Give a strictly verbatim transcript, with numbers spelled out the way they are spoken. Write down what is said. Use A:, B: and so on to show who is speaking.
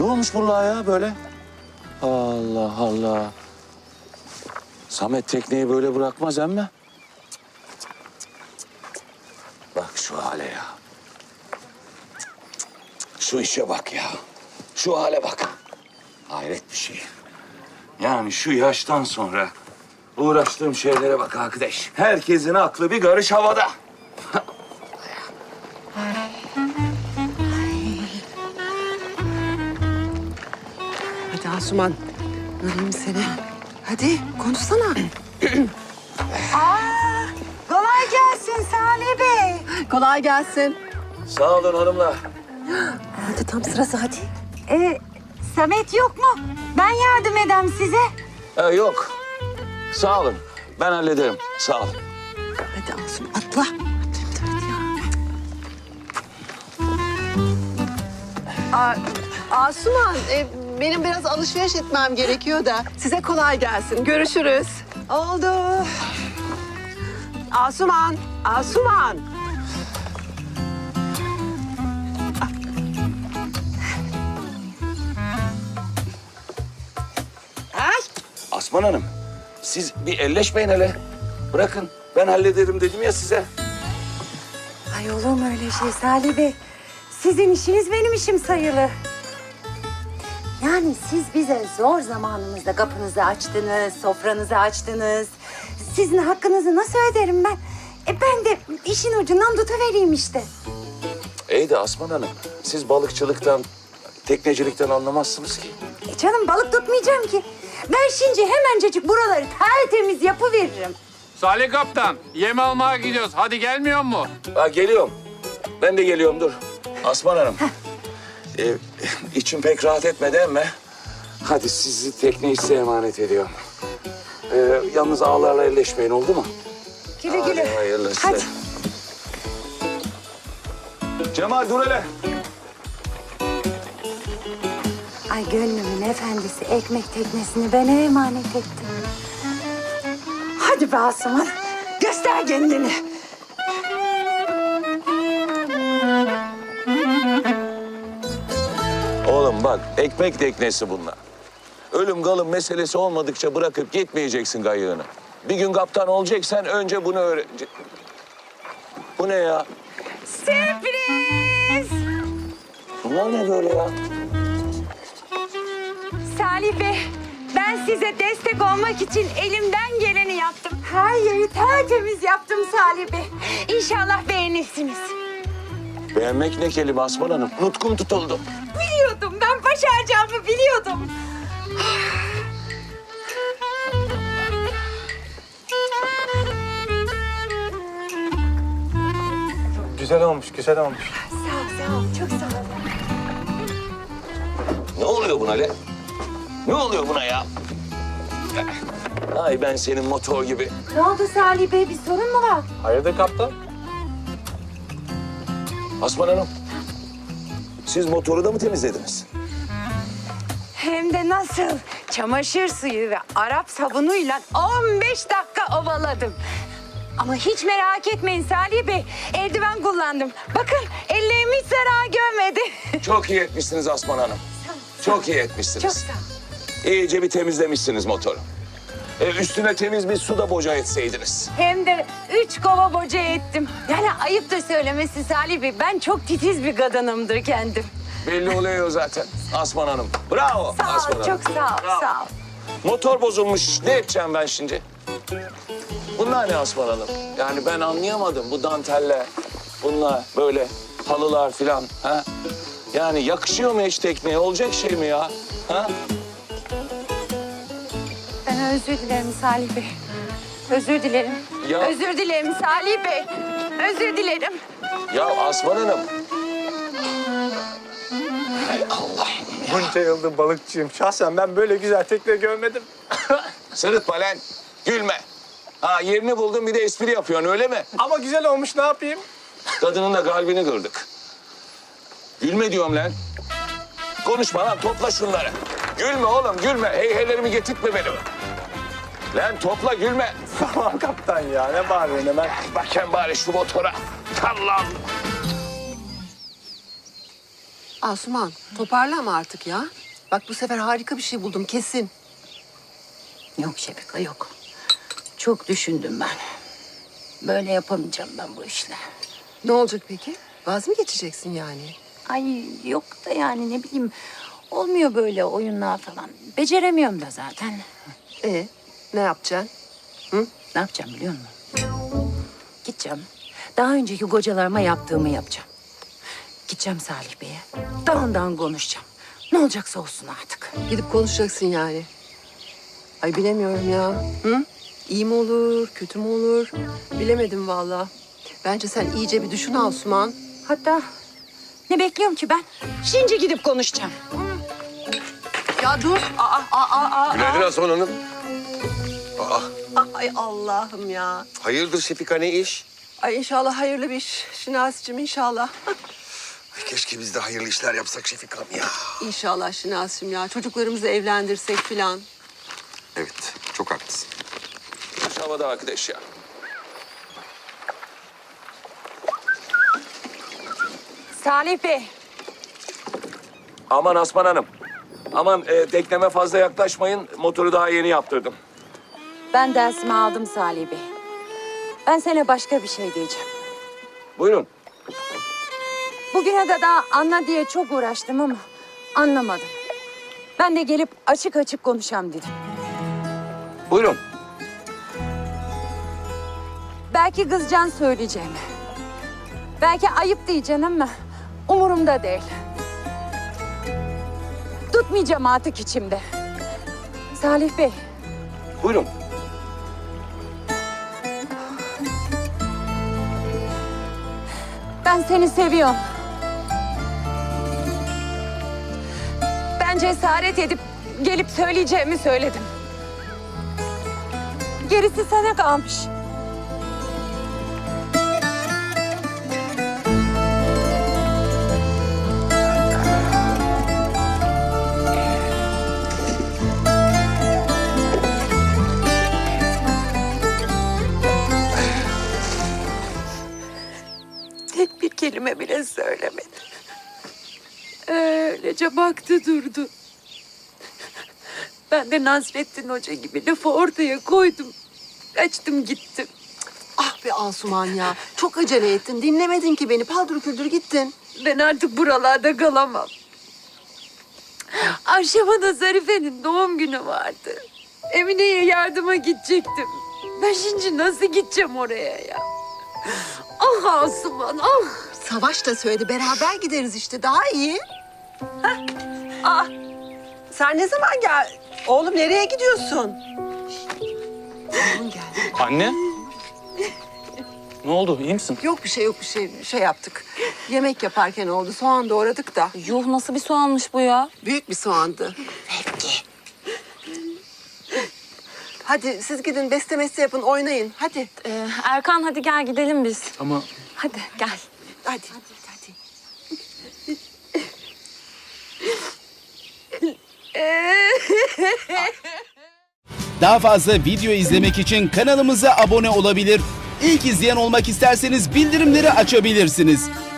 A: olmuş bunlar ya böyle? Allah Allah. Samet tekneyi böyle bırakmaz emme. Bak şu hale ya. Şu işe bak ya. Şu hale bak. Hayret bir şey. Yani şu yaştan sonra uğraştığım şeylere bak arkadaş. Herkesin aklı bir karış havada.
B: Hadi Asuman, göreyim seni. Hadi konuşsana.
C: Aa, kolay gelsin Salih Bey.
B: Kolay gelsin.
A: Sağ olun hanımlar.
B: Hadi tam sırası hadi.
C: Ee, Samet yok mu? Ben yardım edem size.
A: Ee, yok. Sağ olun. Ben hallederim. Sağ olun.
B: Hadi Asuman atla. Hadi, hadi ya. Aa, Asuman, e, benim biraz alışveriş etmem gerekiyor da. Size kolay gelsin. Görüşürüz. Oldu. Asuman, Asuman. Ay.
A: Asman Hanım, siz bir elleşmeyin hele. Bırakın, ben hallederim dedim ya size.
C: Ay olur mu öyle şey Salih Bey? Sizin işiniz benim işim sayılı. Yani siz bize zor zamanımızda kapınızı açtınız, sofranızı açtınız. Sizin hakkınızı nasıl öderim ben? E ben de işin ucundan tutuvereyim işte.
A: İyi de Asman Hanım, siz balıkçılıktan, teknecilikten anlamazsınız ki.
C: E canım balık tutmayacağım ki. Ben şimdi hemencecik buraları tertemiz yapıveririm.
D: Salih Kaptan, yem almaya gidiyoruz. Hadi gelmiyor mu?
A: Ha, geliyorum. Ben de geliyorum, dur. Asman Hanım, e, içim pek rahat etmedi ama... Hadi sizi tekneyi size emanet ediyorum. E, yalnız ağlarla elleşmeyin, oldu mu?
C: Güle güle.
A: Hadi hayırlısı.
C: Hadi.
A: Cemal dur hele.
C: Ay gönlümün efendisi ekmek teknesini bana emanet etti. Hadi be Asuman, göster kendini.
A: Oğlum bak, ekmek teknesi bunlar. Ölüm kalım meselesi olmadıkça bırakıp gitmeyeceksin kayığını. Bir gün kaptan olacaksan önce bunu öğreneceksin. Bu ne ya?
C: Sürpriz!
A: Bunlar ne böyle ya?
C: Salih Bey, ben size destek olmak için elimden geleni yaptım. Her yeri tertemiz yaptım Salih Bey. İnşallah beğenirsiniz.
A: Beğenmek ne kelime Asman Hanım? Nutkum tutuldu.
C: Biliyordum, ben başaracağımı biliyordum.
E: Güzel olmuş, güzel olmuş.
C: Sağ ol, sağ ol, çok sağ ol.
A: Ne oluyor buna le? Ne oluyor buna ya? Ay ben senin motor gibi.
C: Ne oldu Salih Bey, bir sorun mu var?
E: Hayırdır kaptan?
A: Asman Hanım, siz motoru da mı temizlediniz?
C: Hem de nasıl? Çamaşır suyu ve Arap sabunuyla on beş dakika ovaladım. Ama hiç merak etmeyin Salih Bey, eldiven kullandım. Bakın ellerim hiç zarar görmedi.
A: Çok iyi etmişsiniz Asman Hanım. Çok iyi etmişsiniz.
C: Çok sağ ol.
A: İyice bir temizlemişsiniz motoru. E, üstüne temiz bir su da boca etseydiniz.
C: Hem de üç kova boca ettim. Yani ayıptır söylemesi Salih Bey, ben çok titiz bir kadınımdır kendim.
A: Belli oluyor zaten Asman Hanım. Bravo
C: Sağ
A: Asman
C: ol,
A: Hanım.
C: çok sağ ol,
A: Bravo.
C: sağ ol.
A: Motor bozulmuş. Ne edeceğim ben şimdi? Bunlar ne Asman Hanım? Yani ben anlayamadım bu danteller. Bunlar böyle halılar filan. Ha? Yani yakışıyor mu hiç tekneye? Olacak şey mi ya? Ha?
C: Ben özür dilerim Salih Bey. Özür dilerim.
A: Ya-
C: Özür dilerim Salih Bey. Özür dilerim.
A: Ya Asman Hanım. Hay Allah.
E: Bunca yıldır balıkçıyım. Şahsen ben böyle güzel tekne görmedim.
A: Sırıtma lan. Gülme. Ha yerini buldun bir de espri yapıyorsun öyle mi?
E: Ama güzel olmuş, ne yapayım?
A: Kadının da kalbini kırdık. Gülme diyorum lan. Konuşma lan, topla şunları. Gülme oğlum, gülme. Heyhelerimi getirtme benim. Lan topla, gülme.
E: Tamam kaptan ya, ne bağırıyorsun hemen?
A: Bakın bari şu motora. Allah'ım.
B: Asuman toparlama artık ya. Bak bu sefer harika bir şey buldum kesin.
C: Yok Şefika yok. Çok düşündüm ben. Böyle yapamayacağım ben bu işle.
B: Ne olacak peki? Vaz mı geçeceksin yani?
C: Ay yok da yani ne bileyim olmuyor böyle oyunlar falan. Beceremiyorum da zaten.
B: E ne yapacaksın?
C: Ne yapacağım biliyor musun? Gideceğim. Daha önceki kocalarıma yaptığımı yapacağım. Gideceğim Salih Bey'e. Dağından konuşacağım. Ne olacaksa olsun artık.
B: Gidip konuşacaksın yani. Ay bilemiyorum ya. Hı? İyi mi olur, kötü mü olur? Bilemedim vallahi. Bence sen iyice bir düşün Asuman.
C: Hatta ne bekliyorum ki ben? Şimdi gidip konuşacağım.
B: Ya dur. Aa, aa, aa, aa.
F: Günaydın Asuman Hanım. Aa,
B: Ay Allah'ım ya.
F: hayırdır Şefika, ne iş?
B: Ay inşallah hayırlı bir iş. Şinasi'cim inşallah.
F: Ay, keşke biz de hayırlı işler yapsak Şefika'm ya.
B: İnşallah Şinasi'cim ya. Çocuklarımızı evlendirsek filan.
F: Evet, çok haklısın.
A: Şu havada arkadaş ya.
C: Salih Bey.
A: Aman Asman Hanım. Aman e, tekneme fazla yaklaşmayın. Motoru daha yeni yaptırdım.
C: Ben dersimi aldım Salih Bey. Ben sana başka bir şey diyeceğim.
A: Buyurun.
C: Bugüne de daha anla diye çok uğraştım ama anlamadım. Ben de gelip açık açık konuşam dedim.
A: Buyurun.
C: Belki kızcan söyleyeceğim. Belki ayıp diyeceksin ama umurumda değil. Tutmayacağım artık içimde. Salih Bey,
A: Buyurun.
C: ben seni seviyorum. Ben cesaret edip gelip söyleyeceğimi söyledim. Gerisi sana kalmış. Tek bir kelime bile söylemedi. Öylece baktı durdu. Ben de Nasrettin Hoca gibi lafı ortaya koydum. Kaçtım gittim.
B: Ah be Asuman ya. Çok acele ettin. Dinlemedin ki beni. Paldır küldür gittin.
C: Ben artık buralarda kalamam. Akşama Zarife'nin doğum günü vardı. Emine'ye yardıma gidecektim. Ben şimdi nasıl gideceğim oraya ya? Ah Asuman ah.
B: Savaş da söyledi. Beraber gideriz işte. Daha iyi. Hah. Aa, sen ne zaman gel? Oğlum nereye gidiyorsun? Oğlum geldi.
G: Anne? Ne oldu? İyi misin?
B: Yok bir şey yok bir şey. Şey yaptık. Yemek yaparken oldu. Soğan doğradık da.
H: Yuh nasıl bir soğanmış bu ya?
B: Büyük bir soğandı. Hadi siz gidin beste meste yapın oynayın. Hadi.
H: Ee, Erkan hadi gel gidelim biz.
G: Ama
H: Hadi gel.
B: Hadi. Hadi.
I: Daha fazla video izlemek için kanalımıza abone olabilir. İlk izleyen olmak isterseniz bildirimleri açabilirsiniz.